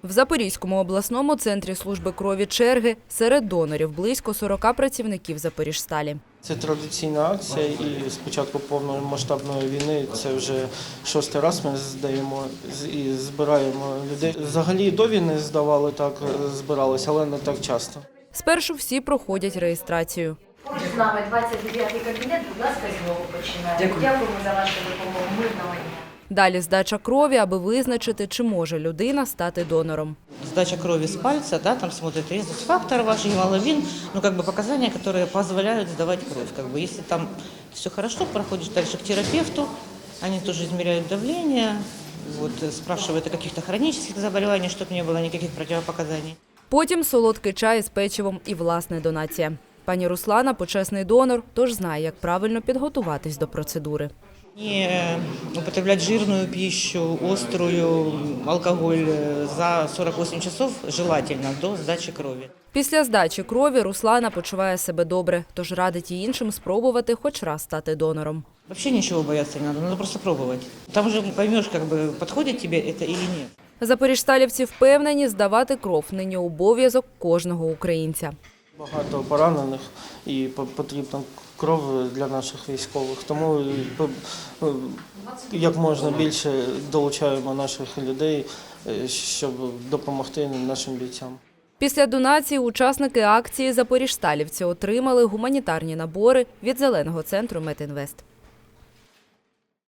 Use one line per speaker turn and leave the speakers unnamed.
В Запорізькому обласному центрі служби крові черги. Серед донорів близько 40 працівників Запоріжсталі.
Це традиційна акція, і з початку повномасштабної війни це вже 6-й раз ми здаємо і збираємо людей. Взагалі до війни здавали, так збиралися, але не так часто.
Спершу всі проходять реєстрацію.
Поруч з нами 29-й кабінет, будь ласка, знову починаємо. Дякуємо за вашу допомогу. Мирного дня.
Далі здача крові, аби визначити, чи може людина стати донором.
Сдача крови с пальца, да, там смотрят резус-фактор, ваш гемоглобин, показания, которые позволяют сдавать кровь. Если там все хорошо, проходишь дальше к терапевту, они тоже измеряют давление, спрашивают о каких-то хронических заболеваниях, чтобы не было никаких противопоказаний.
Потім солодкий чай із печивом і власна донація. Пані Руслана – почесний донор, тож знає, як правильно підготуватись до процедури.
Не употреблять жирную пищу, острую, алкоголь за 48 часов желательно до сдачи крови.
Після здачі крові Руслана почуває себе добре, тож радить і іншим спробувати хоч раз стати донором.
Вообще ничего бояться не надо просто пробовать. Там уже поймешь, подходит тебе это или нет.
Запоріжсталівці впевнені, здавати кров нині обов'язок кожного українця.
Багато поранених і потрібна кров для наших військових. Тому як можна більше долучаємо наших людей, щоб допомогти нашим бійцям.
Після донації учасники акції запоріжсталівці отримали гуманітарні набори від Зеленого центру Метінвест.